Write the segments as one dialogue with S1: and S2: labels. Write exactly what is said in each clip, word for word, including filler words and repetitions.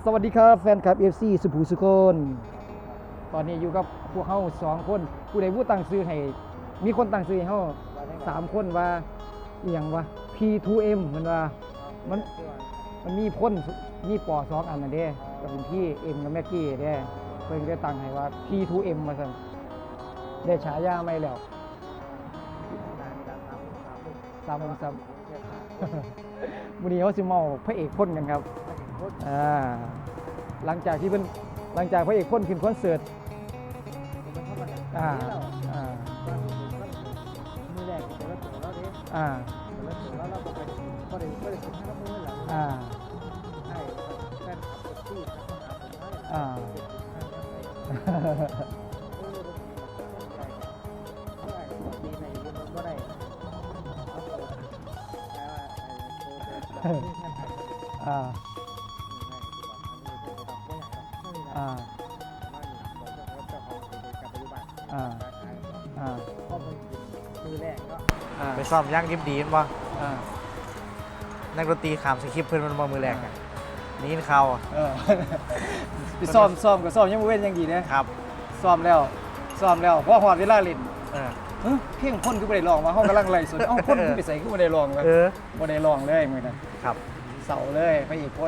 S1: สวัสดีครับแฟนคลับ เอฟ ซี สุภูสุคนตอนนี้อยู่กับพวกเขาสองคนผู้ใดผู้ตั้งซื้อให้มีคนตั้งซื้อให้เขาสามคนว่าอหย่างว่า พี ทู เอ็ม มันว่ามันมันมีพ่นมีปอสองอันนั่นเด้ก็เป็นพี่เอ็มกับแม็กกี้เด้เพิ่นได้ตั้งให้ว่า พี ทู เอ็ม มาสั่นได้ฉายาใหม่แล้วสามสามวันนี้เขาสิเมาพระเอกพ่นกันครับอ่าหลังจากที่เป็นหลังจากพระเอกพ่นขึ้นคอนเสิร์ตอ่าอ่ามือแรกแต่ละตัวเราเด้อ่าแต่ละตัวเราเราบอกไปก็ได้ก็ได้ส่งให้เรามือหลังอ่าใช่แฟนคลับที่อ่าอ่าอ่าอ่าอ่ามือแรกก็
S2: ไปซ้อมย่างดิบดีนบ่
S1: อ่า
S2: นักดนตรีขามสคริปต์เพิ่นมันบ่มือแรกอ่ะนี่ยินข่าวอ่ะ
S1: เออไปซ้อมซ้อมกับซ้อมยังบ่เว้นยังดีนะครับซ้อมแล้วซ้อมแล้วพอฮอดเวลาเล่น
S2: เออ
S1: เฮ้ยเพลงพ่นคือบ่ได้ร้องว่าเฮากำลังไล่สดเอ้าพ่นคือไปใส่คือบ่ได้ร้องว่า
S2: เออ
S1: บ่ได้ร้องเลยมื้อนั้น
S2: ครับ
S1: เสาเลยพระเอกพ่น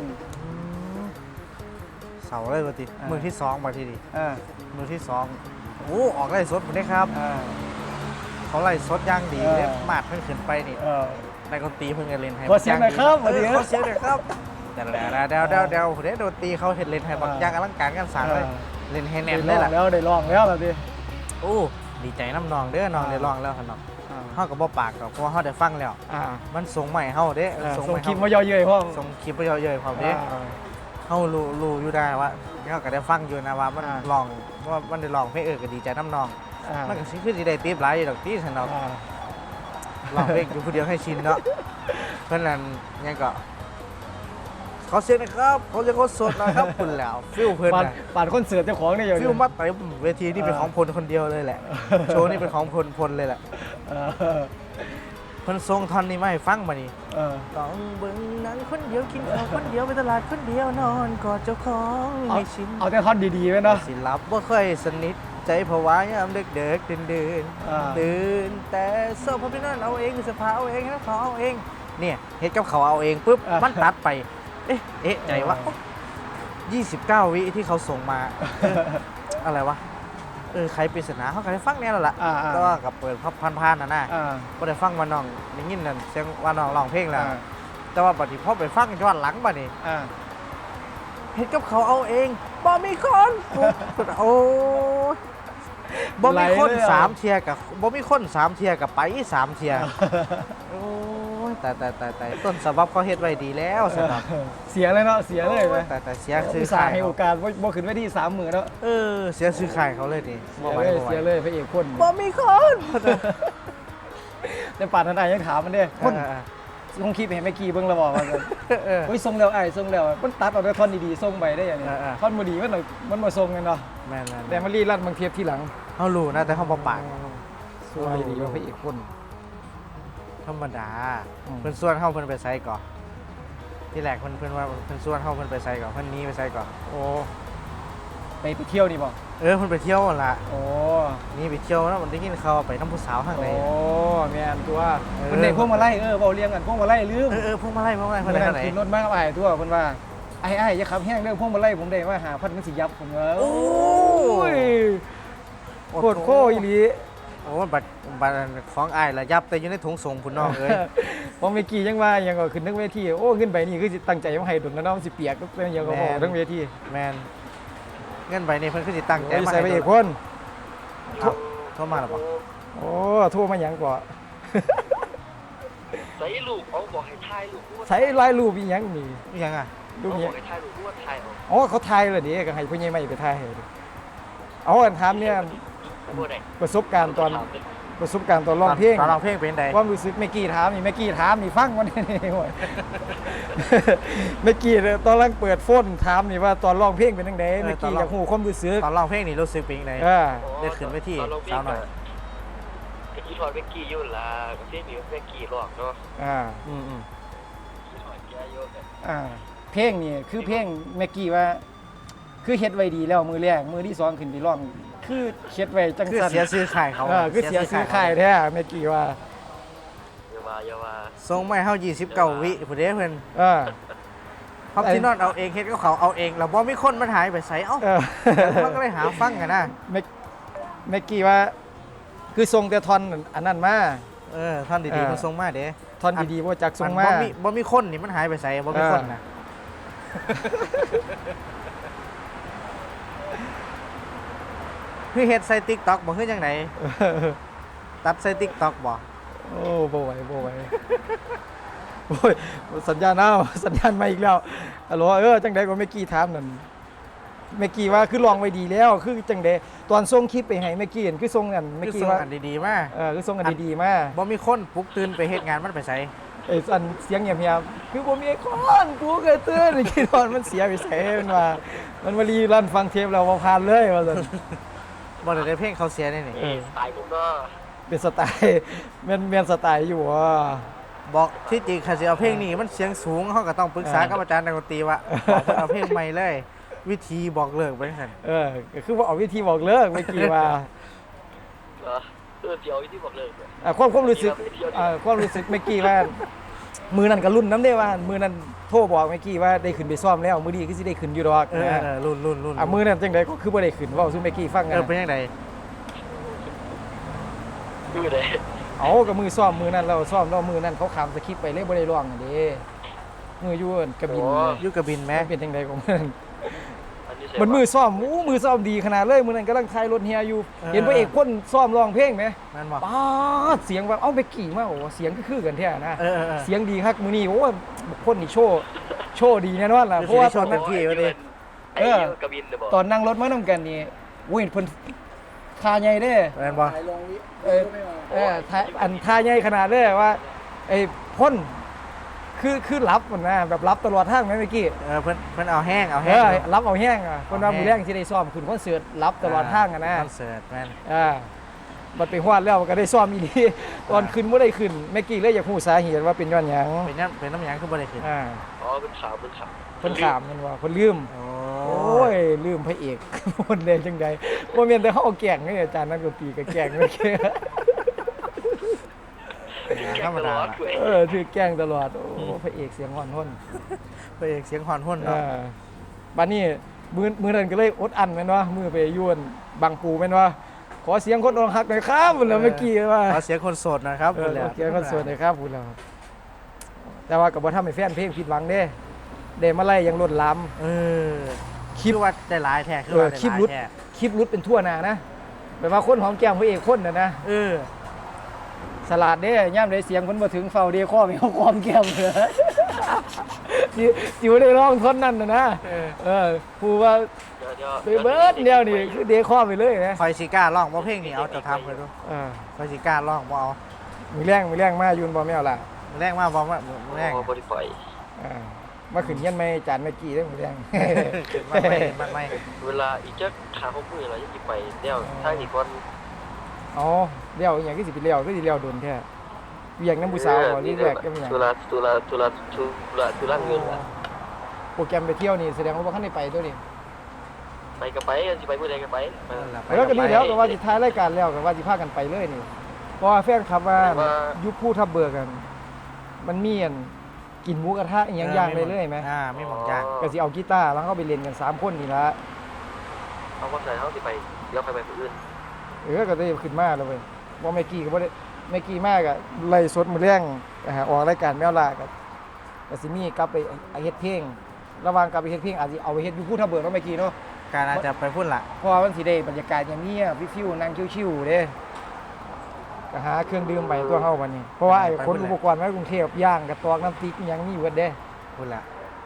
S2: เสาเลยบ่ติมือที่สองมาทีนี้
S1: อ่า
S2: มือที่สองโอ้ออกไล่สดพุ่นเด้ครับ
S1: อ่า
S2: เขาไล่สดย่างดีเด้มาดเพิ่นขึ้นไปนี่
S1: เออ
S2: นักดนตรีเพิ่นก็เล่นให้
S1: ขอเสียงหน่อยครับ
S2: เออขอเสียงหน่อยครับแต่แล้วเดี๋ยวเดี๋ยวเดี๋ยวเด้ดนตรีเขาเฮ็ดเล่นให้บักอย่างอลังการงานสร้างเลยเล่นให้แน่นเลยล่ะ
S1: แล้วได้ร้องแล้วล่ะติ
S2: โอ้ดีใจน้ำนองเด้อน้องได้ร้องแล้วคั่นเนาะเฮาก็บ่ปากดอกเพราะว่าเฮาได้ฟังแล้ว
S1: อ่า
S2: มันส่งใหม่เฮาเด้
S1: ส่งคลิปมาย่อเย้ยพร้อม
S2: ส่งคลิปมาย่อเย้ยพร้อมเด้เฮารู้รู้อยู่ได้ว่าเฮาก็ได้ฟังอยู่นะว่ามันร้องว่ามันได้ร้องเพลงเออก็ดีใจน้ำนองมันก็สิคือสิได้ติปหลายอยู่ดอกติซั่นเนาะร้องเพลงอยู่ผู้เดียวให้ชินเนาะเพิ่นนั่นยังก็เขาเสียงนะครับเขาจะเขาสดนะครับคุณแล้วฟิลเพิ่นน่ะ
S1: ปาดคอนเสิร์ตเจ้าของนี่อยู่
S2: ฟิลมาเต็มเวทีนี่เป็นของพลคนเดียวเลยแหละโชว์นี่เป็นของพลพลเลยแหละเพิ่นทรงท่อนนี้มาให้ฟังมานี่ต้องเบิ่งหนังคนเดียวกินข้าวคนเดียวไปตลาดคนเดียวนอนกอดเจ้าของให้ชิน
S1: เอาแต่ท่อนดีๆไว้เนาะ
S2: สิหลับบ่ค่อยสนิทใจผวายามเด็กๆตื่นๆตื่นแต่เสื้อผ้าพี่นั่นเอาเองเสื้อผ้าเอาเองนะเขาเอาเองเนี่ยเฮ็ดกับเขาเอาเองปุ๊บมันตัดไปเอ๊ะเอ๊ะใจว่ายี่สิบเก้าวิที่เขาส่งมาอะไรวะเออใครปริศนาเขาก็ได้ฟังแน่แล้วล่ะก็กับเปิดพันๆน่ะนะก็ได้ฟังว่าน้องได้ยินนั่นเสียงว่าน้องร้องเพลงแล้วแต่ว่าบัดนี้พอไปฟังย้อนหลังบัดนี้เฮ็ดกับเขาเอาเองบ่มีคนโอ้บ่มีคนสามเทียกับบ่มีคนสามเทียกับไปสามเทียโอ้ยแต่แต่แต่แต่ต้นฉบับเขาเฮ็ดไว้ดีแล้วสำหรับ
S1: เสียเลยเนาะเสียเลยไหม
S2: แต่แต่เสียซื้อ
S1: ขายให้โอกาสบ่ขึ้นไว้ที่สามหมื่นแล้ว
S2: เออเสียซื้อขายเขาเลยดิ
S1: เสียเลยเสียเลยพระเอกคน
S2: บ่มีคน
S1: แต่ป่านนั้นยังถามมันเด้คนลงคลิปเห็นเมื่อกี้เบิ่งแล้วบอกว่าโอ้ยส่งแล้วไอ้ส่งแล้วมันตัดเอาแต่ท่อนดีๆส่งไปได้อย่างนี้ท่อนบ่ดีมันมันบ่ส่งกันเนาะ
S2: แม่นๆ
S1: แต่มารีลั่นบางเทียบที่หลัง
S2: เฮารู้นะแต่เฮาบ่ปาก
S1: สวยดีว่าพระเอกคน
S2: ธรรมดาเพิ่นส่วนเฮาเพิ่นไปไสก่อที่แรกเพิ่นเพิ่นว่าเพิ่นส่วนเฮาเพิ่นไปไสก่อเพิ่นหนีไปไสก่อ
S1: โอ้ไปไปเที่ยวนี่บ่
S2: เออเพิ่นไปเที่ยวนั่นล่ะ
S1: โอ้
S2: นี่ไปเที่ยวแล้วมันได้ยินข่าวไปนำผู้สาวทางไหน
S1: โอ้แม่นตัวเพิ่นได้พวงมาลัยเออเว้าเรียงกันพวงมาลัยลืม
S2: เออๆพวงมาลัยพวงมาลัยเพิ่นได้ทางไหน
S1: ขึ้นรถมากับอ้ายตัวเพิ่นว่าไอ้ๆอย่าขับแฮงเด้อพวงมาลัยผมได้ว่าห้าพันมันสิยับผมว่าโอ้ยโคตรโคอีหลี
S2: โอ้บัตรบัตรของอ้ายละยับแต่อยู่ในถุงส่งพุ่นน้องเอ้ย
S1: พอเมื่อกี้ยังว่ายังก็ขึ้นทั้งเวทีโอ้ขึ้นไปนี่คือสิตั้งใจมาให้ดุนแล้วน้องสิเปียกก็เป็นยังก็บอกทั้งเวที
S2: แม่นเงินใบนี้เพิ่นคือสิตั้งใจ
S1: มาให้ใส่ไปอีกคน
S2: โทรมาแล้วบ่
S1: โอ้โทรมาหยังก่อ
S3: ใส่รูปเขาบอกให้ถ่ายรูป
S1: ใส่ลายรูปอีหยังนี่
S2: อีหยังอ่ะ
S1: รูป
S3: นี้ให้ถ่ายรูปว่าถ่าย
S1: อ๋อเขาถ่ายแล้วดิก็ให้ผู้ใหญ่มาไปถ่ายให้เอาอันถามเนี่ยประสบการณ์ตอนประสบการณ์ตอนร้องเพลง
S2: ตอนร้องเพลงเป็นไง
S1: ความรู้สึกเมื่อกี้ถามนี่เมื่อกี้ถามนี่ฟังวันนี้โว้ยเมื่อกี้ตอนแรกเปิดโฟนถามนี่ว่าตอนร้องเพลงเป็นยังไงเมื่อกี้อยากหูความรู้สึก
S2: ตอนร้องเพลงนี่รู้สึกเป็นยังไงได้ขึ้นไปที่สาวหน่อย
S3: ก็คิดว่าเมื่อกี้ยุ่นละก็เสียงนี้เมื่อกี้ร้องเนาะ
S1: อ่า
S2: อืมอืม
S3: คิดว่าแกยุ่น
S1: อ่าเพเพลงนี่คือเพลงแม็กกี้ว่า คือเฮ็ดไว้ดีแล้วมือแรกมือที่สองขึ้นไปร้องคือเฮ็ดไว้จัง
S2: คือ
S1: ซั่น
S2: เสียซื้อขายเขา
S1: เออคือเสียซื้อค่ายแท้แม็กกี้ว่า
S3: อย่าว่าอย่าว่า
S2: ทรงไม่เฮายี่สิบเก้าวิผู้ใดเพิ่น
S1: เออ
S2: พับที่นอนเอาเองเฮ็ดกับเขาเอาเองแล้วบ่มีคนมันหายไปไสเอ้า
S1: เออ
S2: มันก็เลยหาฟังกันนะ
S1: แม็กแม็กกี้ว่า คือทรงแต่ท่อนอันนั้นมา
S2: เออท่านดีๆมันทรงมาเด้
S1: ท่อนดีๆบ่จักทรงมา
S2: บ่มีบ่มีคนนี่มันหายไปไสบ่มีคนน่ะคือเฮ็ดใส่ TikTok บ่คือจังไดตัดใส่ TikTok บ่
S1: โอ้บ่ไหวบ่ไหวโอ้ยสัญญาณเอาสัญญาณมาอีกแล้วฮัลโหลเออจังได๋ก็แม็กกี้ถามนั่นแม็กกี้ว่าคือลองไว้ดีแล้วคือจังได๋ตอนส่งคลิปไปให้แม็กกี้เห็นคือส่งกันแม็ก
S2: คือ
S1: กี้
S2: ทรง
S1: ว่า
S2: อันดีๆมา
S1: เออคือส่งกันดีๆมา
S2: บ่มีคนปลุกตื่นไปเฮ็ดงานมันไปไส
S1: ไอ้อันเสียงเงียบๆคือบ่มีไอ้คนกูเคยเตือนไอ้ที่นอนมันเสียไปใส่มันว่ามันมารีรันฟังเทปเราบ่ผ่านเลยว่าซั่น
S2: บ่ได้เพลงเขาเสียนี่นี่
S1: เออ
S3: สไตล์ผมก็
S1: เป็นสไตล์แม่นแม่นสไตล์อยู่ว่า
S2: บอกที่จริงคันสิเอาเพลงนี้มันเสียงสูงเฮาก็ต้องปรึกษากับอาจารย์นักดนตรีว่าบอกเพิ่นเอาเพลงใหม่เลย วิธีบอกเลิกไปซั่น
S1: เออก็คือว่าเอาวิธีบอกเลิกเมื่อกี้ว่า
S3: เออเออเดี๋ยวที่บอกเลิกเลย
S1: อ่ะความความรู้สึกอ่าความรู้สึกเมื่อกี้ว่า มือนั้นก็รุ่นน้ำได้ว่า มือนั้นโทรบอกเมื่อกี้ว่าได้ขึ้นไปซ้อมแล้วมือดีคือสิได้ขึ้นอยู่ดอก
S2: เออ
S1: นะ
S2: เออรุ่นรุ่นรุ่น
S1: อ่ะมือนั้นจังไดก็คือบ่ได้ขึ้นเว้าซุเมื่อกี้ฟังกั
S2: เอน อเป็นจังได
S3: ดูเลย
S1: เอากับมือซ้อมมือนั้นเราซ้อมเรามือนั้นเขาขามสคริปต์ไปเลยบ่ได้ร้องอันนี้มืออยู่อั่นกระบิน
S2: อยู่กับบินแม่
S1: มันเป็นจังไดของมัน
S3: อันนี้
S1: มันมือซ้อมอู้มือซ้อมดีขนาดเลยมือนั้นกำลังถ่ายรถเฮียอยู่ เห็นพระเอกคนซ้อมร้องเพลงไหม
S2: แม่นบ่
S1: ป๊าดเสียงแบบเอ้าไปกี่มาโอ้เสียงก็คือกันแท้นะ
S2: เออเออเออ
S1: เสียงดีครับมือนี้โอ้คนนี่โชว์โชว์ดีแน่นอนล่ะ
S2: เดี๋ยว
S1: เพราะว่า
S2: สิได้โชว์เต็มที่
S3: ไอ้
S2: วะดิ
S3: ไอ้กระบินเลยบอก
S1: ตอนนั่งรถมานํกันนี่โอ้ยเพิ่นทาใหญ่เด้
S2: แม่นบ่
S1: เออเออทาอันทาใหญ่ขนาดเลยว่าไอ้พ่นคือคือรับมันนะแบบรับตลอดทางไหมเมื่อกี้
S2: เออเพิ่นเพิ่นเอาแห้งเอา
S1: เอ
S2: แห้ง
S1: อรับเอาแห้งอ่ะคนว่า
S2: เอาแห้ง
S1: มือแรงที่ได้ซ้อมขึ้นคอนเสิร์ตรับตลอดทางอ่ะนะ
S2: คอนเสิร์ตแม่น
S1: อ่าบัดไปฮอดแล้วก็ได้ซ้อมอีหลีตอนขึ้นบ่ได้ขึ้นแม่กี้เลยอยากฮู้สาเหตุว่าเป็นย้อนหยัง
S2: เป็นน้ำเป็นน้ำหยังคือบ่ได้ขึ้น
S1: อ่า
S3: อ๋อเป็นขาวเป็นขาว
S1: เพิ่นถามแมันว่าเพิ่นลืม
S2: โอ้
S1: โอ้ยลืมพระเอก คนเล่นจังได๋บ่แม่นแต่เฮาเอาแกล้งนี่อาจารย์นักดนตรีก็แกล้งเมื่อกี้
S2: ธรรมดาล่ะ
S1: เออถือแกล้งตลอดโอ้พระเอกเสียงอ่อนทน
S2: พระเอกเสียงหอนหุ่น
S1: เอ
S2: เนาะ
S1: อบัดนี้มื้อมื้อนั้นก็เลยอดอั้นแม่นว่ามื้อไปยวนบางปูแม่นว่าขอเสียงคนอกหักหน่อยครับพุ่นแล้วเมื่อกี้ว่า
S2: ขอเสียงคนโสดหนะครับ
S1: เอ
S2: พุ่
S1: อน
S2: แหละ
S1: เกียร์คอนเสิร์ตเลยครับพูดแล้วแต่ว่ากับว่าทำให้แฟนเพลงผิดหวังเด้เดมาไล่ยังลดล้
S2: เออ
S1: ำ
S2: ค
S1: ค
S2: ลิ
S1: ลิ
S2: ป
S1: ป
S2: ว่าได้หลายแท้คือ
S1: เออ
S2: ว่าได้
S1: คลิป
S2: หลาย
S1: รุด
S2: แท้
S1: คลิปรุดเป็นทั่วหน้านะแบบว่าคนหอมแก้มพระเอกคนน่ะนะ
S2: เออ
S1: สลัดเด้ย่ำได้เสียงคนมาถึงเฝ้าเดข้อไม่เอาความแก้มเลยจิจิวได้ร้องท่อนนั้นนะนะ
S2: เออ
S1: เออพูดว่า
S3: เดี๋ยวเดี๋ยว
S1: ไปเบิร์ดเดียวนี่คือเดข้อไปเลยนะ
S2: คอยสิกล้าร้องบ่เพลงนี้เอาจะทำไปดู
S1: เออ
S2: คอยสิกล้าร้องบ่เอา
S1: มีแรงมีแรงมายุนบอแมวล่ะ
S2: แรงมากบ่มาแรง
S3: อ๋อบริไฟ
S1: อ่ามาขึ้นเยันไม่จานไม่กี่ได้มีแรง
S2: ขึ้นมาไม่มันไม่
S3: เวลาอีกจะขาเขาพูดอะไรจะไปเดี๋ยวถ้าอีกคน
S1: อ๋อเลี้ยวอหย่างที่สิไปเลี้ยวก็สิเลี้ยวโดนแค่เวียงน้ำผู้สาวก่อนนี่แรกก็มีอย่าง
S3: ตุลาตุลาตุลาตุลาตุลาเงิน
S1: โปรแกรมไปเที่ยวนี่แสดงว่าบ่คันได้ไปตัวนี้
S3: ไปก็ไปกันสิไปเมื่อไรก็ไป
S1: แล้วก็ดีแล้วก็ว่าสิท้ายรายการแล้วก็ว่าสิพากันไปเลยนี่เพราะว่าแฟนคลับว่ายุคผู้ทับเบิกกัน มันมีอันกินหมูกระทะอหย่างย่างไปเลยไหม
S2: อ่าไม่หมองย่าง
S1: ก็สิเอากีตาร์แล้วก็ไปเล่นกันสามคนนี่ละ
S3: เอาว่าใส่เขาสิไปเดี๋ยวไปไปคนอื่น
S1: เออก็ได้ขึ้นมาแล้วเว้ยว่าเมกี้ก็บ่ได้เมกี้มากอะไล่สดมื้อแรงนะฮะออกรายการแมวล่าก็ก็สิมีกลับไปเฮ็ดเพลงระหว่างกลับไปเฮ็ดเพลงอาจสิเอาไปเฮ็ดอยู่ผู้ทับเบิกเนาะเมกี้เนาะ
S2: การอาจจะไปพูดละ
S1: เพราะว่ามันสิได้บรรยากาศอย่างเงียบฟิวๆนั่งชิวๆเด้ก็หาเครื่องดื่มไปตัวเฮาวันนี้ เพราะว่าไอ้คนอุปกรณ์มากรุงเทพย่างกระตอกน้ำพริกอิหยังมีเบิดเด้
S2: พูดละ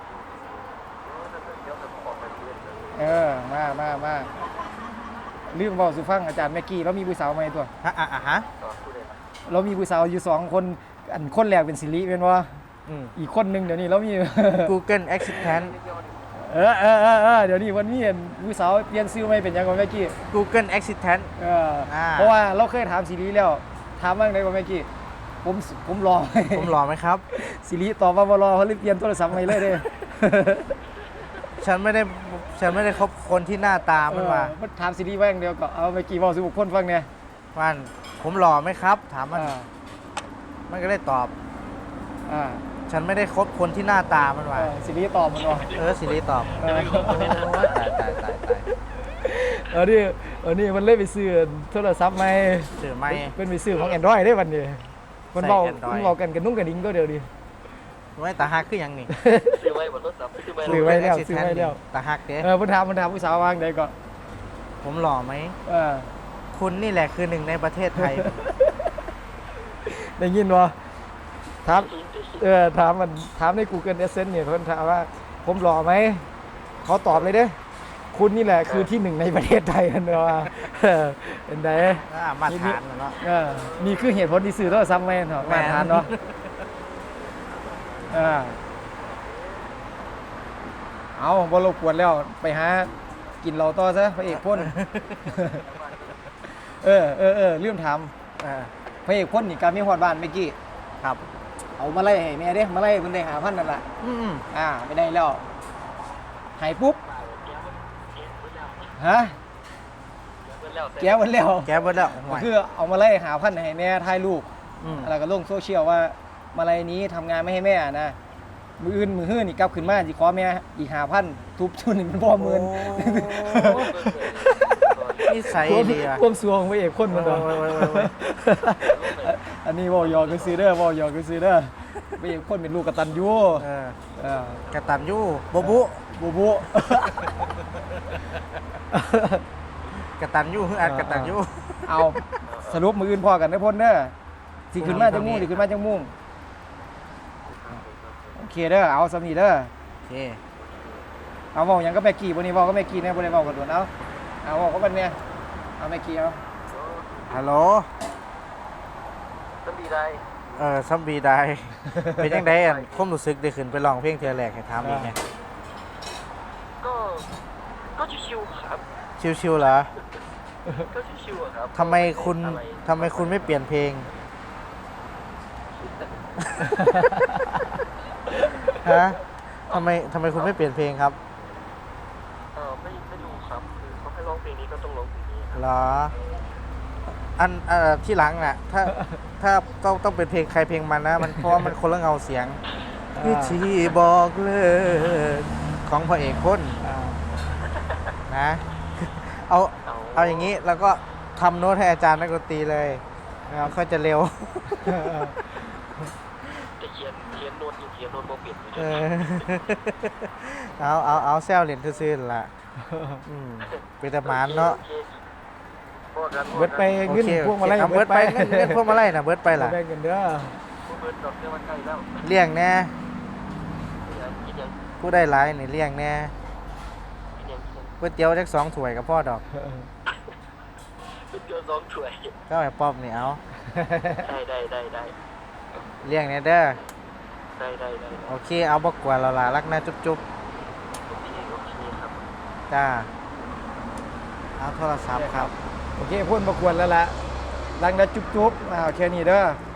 S1: เออมามามาลืมเว้าสู่ฟังอาจารย์แม็กกี้เรามีผู้สาวใหม่ตัว
S2: ฮะอ่ะอ่ะฮะ
S1: เรามีผู้สาวอยู่สองคนอันคนแรกเป็นสิริเป็นว่า
S2: อืม
S1: อีกคนหนึงเดี๋ยวนี้เรามี
S2: Google Assistant
S1: เออเออเออเออเดี๋ยวนี้วันนี้เห็นผู้สาวเปลี่ยนชื่อใหม่เป็นหยังก่อนแม็กกี้
S2: Google Assistant
S1: เออ
S2: อ่า
S1: เพราะว่าเราเคยถามสิริแล้วถามว่าไงก่อนแม็กกี้ผมผมรอ
S2: ผมหล่อไหมครับ
S1: สิริตอบว่าบ่รอเขาเลยเปลี่ยนโทรศัพท์ใหม่เลยเด้
S2: ฉันไม่ได้ฉันไม่ได้คบคนที่หน้าตามันว่า
S1: เออมันถามซีรีส์แว่างเดียวก็เอาเมื่อกี้บอกสิบุคคลฟังเนี่ย
S2: มันผมหล่อไหมครับ ถามมัน
S1: อ่า
S2: มันก็ได้ตอบ
S1: อ่า
S2: ฉันไม่ได้คบคนที่หน้าตามัน
S1: เอ
S2: ว่า
S1: อซีรีส์ตอบมันว่า
S2: เออสิริตอบ
S1: เออ
S2: โอ้ยตายตายตายตาย
S1: เออนี่เออนี่มันเล่นไปซื้อโทรศัพท์ใหม่
S2: ถือไม่
S1: เป็นไปซื้อของ Android ได้วันนี้มันเบา
S2: ใส่ Android
S1: มันเบากันกันนุ่งกันดิ้งก็เดียวดิ
S2: ไม่ตาหักคือหยังนี่
S3: ซื้อไว้บนรถสับซื้อไว้
S1: ซื้อไว้ แล้วซื้อไว้แล้ว
S2: ตาหักเด้
S1: เออมันถามมันถามผู้สาววางได้ก็
S2: ผมหล่อไหม
S1: เออ
S2: คุณนี่แหละคือหนึ่งในประเทศไทย
S1: ได้ยินวะถามเออถามมันถามใน Google Adsense เนี่ยคนถามว่าผมหล่อไหมเขาตอบเลยเด้คุณนี่แหละคือที่หนึ่งในประเทศไทยกันเนาะเออเป็นไง
S2: อ่ามาตรฐานน่ะเนาะ
S1: เออนี่คือเหตุผลที่ซื้อโทรศัพท์ใหม่เนาะ
S2: แม่
S1: มาน ทานเนาะเออเอาบ่รบกวนแล้วไปหากินเราต่อซะพระเอกพ่น เออเออเออลืมถาม
S2: เออ
S1: พระเอกพ่นนี่การมีฮอดบ้านเมื่อกี้
S2: ครับ
S1: เอามาไล่ให้แม่เด้มาไล่เพิ่นได้หาพันนั่นล่ะ
S2: อืม
S1: อ่าไม่ได้แล้วหายปุ๊บฮะแก้วมันแล้ว
S2: แกเบิดแล้วห่
S1: ก็
S2: วย
S1: คือเอามาไล่หาพันให้แม่ถ่ายรูป
S2: ม
S1: แล้วก็ลงโซเชียลว่ามาไล่นี้ทำงานไม่ให้แม่นะมืออื่นมือฮื้อนี่กลับขึ้นมาสิขอแม่อีกหาพันทุบชุนนี่มันบ่หมื่น
S2: นิสัยดีอ่ะ
S1: ความสวงพระเอกพ่นมันดอก
S2: โอ้ยโอ้ยโอ้ยโอ้ย
S1: อันนี้เว้าหยอกกันซื้อเด้อเว้าหยอกกันซื้อเด้อพระเอกพ่นเป็นลูกกตัญญู
S2: เออ
S1: เออก
S2: ตันยูบบุ
S1: บูบู
S2: กตันยูคืออัดกตันยู
S1: เอาสรุปมืออื่นพอกันได้อพ่นเด้อสิขึ้นมาจังมุ่งสิขึ้นมาจังมุ่งโอเคเด้อเอาสำนีเด้อ
S2: โอเค
S1: เอาเว้าหยังก็แม่กี้บ่นี้เว้าก็แม่กี้แน่บ่ได้เว้ากันโดนเอาเอาเว้าก็บัดเนี่ยเอาแม่กี้เอา
S2: ฮัลโหล
S3: ต้องดีได้
S2: เออซัมบีได้ เป็นยังไงอ่ะความรู้สึกได้ขึ้นไปร้องเพลงเทือแรกให้ถามอีกไง
S3: ก็ก็ชิวๆครับ
S2: ชิวๆเหรอ
S3: ก็ชิวๆอะครับ
S2: ทำไมคุณ
S3: อะไร
S2: ทำไมคุณไม่เปลี่ยนเพลง ฮะทำไมทำไมคุณไม่เปลี่ยนเพลงครับ
S3: เออไม่ไม่รู้ครับคือเขาให้ร้องเพลงนี้ก็ต้องร้องเพลงนี้ครับ
S2: เหรอ อันเอ่อที่หลังน่ะ ถ้าถ้าต้องต้องเป็นเพลงใครเพลงมันนะ มันเพราะว่ามันคนละเงาเสียงวิธีบอกเลิกของพระเอกพ่น
S1: อ่า
S2: นะ เอา
S3: เอา
S2: เอาอย่างนี้แล้วก็ทำโน้ตให้อาจารย์นักดนตรีเลยนะครับเขาจะเร็ว
S3: แต่เขียนเขียนโน้ตอยู่เขียนโน้ตโมเปลี่ยนอยู่
S2: เออ เอาเอาเอาแซวเหรียญซื่อๆล่ะอืมเป็นแต่หมานเนาะ
S3: โอคโอเค
S1: เบิดไป
S2: โอ
S1: เงิน
S2: เค
S1: พวกมาไล่
S2: เอาเบิดไปเงินเงินพวกมาไล่นะเบิดไปล่ะ
S1: แบ่งกันเด้อ
S3: ผู้เบิร์ดดอกเบี้ยมันใกล้แล้ว
S2: เลี้ยงแน่
S3: อย่าคิดอย่าง
S2: ผู้ได้หลายนี่เลี้ยงแน่
S3: คิดอย่างคิดอย่าง
S2: ก๋วยเตี๋ยวจักสองถ้วยกับพ่อดอก
S3: เป็นเดือนสองถ้วย
S2: ก็ไอ้ป๊อบนี่เอา
S3: ได้ได้ได้ได้
S2: เลี้ยงแน่เด้อ
S3: ได้ได้ได้
S2: โอเคเอาบ่กวนเราล่ะรักนะจุ๊บ
S3: โอเคโอเคครับ
S2: ๆจ้าเอาโทรศัพท์ครับ
S1: โอเคพ่นประกวดแล้วล่ะดังแล้วจุ๊บๆอ่าแค่นี้เด้อ